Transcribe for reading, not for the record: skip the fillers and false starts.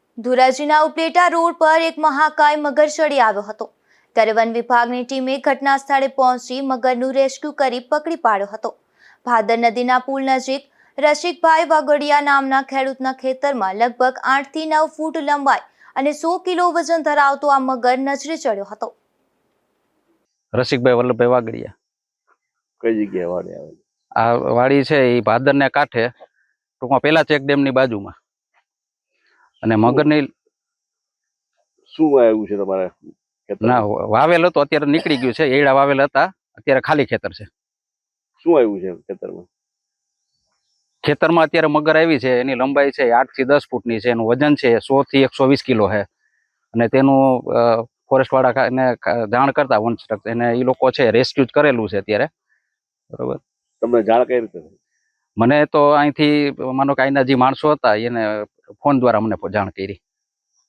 ધોરાજીના Upleta road પર એક મહાકાય મગર ચડી આવ્યો હતો ત્યારે વન વિભાગની ટીમે ઘટના સ્થળે પહોંચી મગરનું રેસ્ક્યુ કરી પકડી પાડ્યો હતો। ભાદર નદીના પુલ નજીક રસિકભાઈ વાગડિયા નામના ખેડૂતના ખેતરમાં લગભગ 8 થી 9 ફૂટ લંબાઈ અને 100 કિલો વજન ધરાવતો આ મગર નજરે ચડ્યો હતો। રસિકભાઈ વલ્લભભાઈ વાગડિયા કઈ જગ્યાએ વાડી આવે? આ વાડી છે એ ભાદરને કાંઠે, ટૂંકમાં પેલા ચેક ડેમની બાજુમાં। અને મગરની શું આવ્યું છે તમારે ખેતરમાં? ના વાવેલ હતો, અત્યારે નીકળી ગયું છે। એડા વાવેલ હતા, અત્યારે ખાલી ખેતર છે। શું આવ્યું છે ખેતરમાં? ખેતરમાં અત્યારે મગર આવી છે, એની લંબાઈ છે 8 થી 10 ફૂટની છે, એનું વજન છે 100 થી 120 કિલો છે। અને તેનું ફોરેસ્ટ વાળા એને જાણ કરતા વન એને એ લોકો છે રેસ્ક્યુ કરેલું છે અત્યારે, બરોબર। તમને જાણ કઈ રીતે થઈ? મને તો અહીંથી માનો કે અહીંના જે માણસો હતા એને ફોન દ્વારા મને જાણ કરી।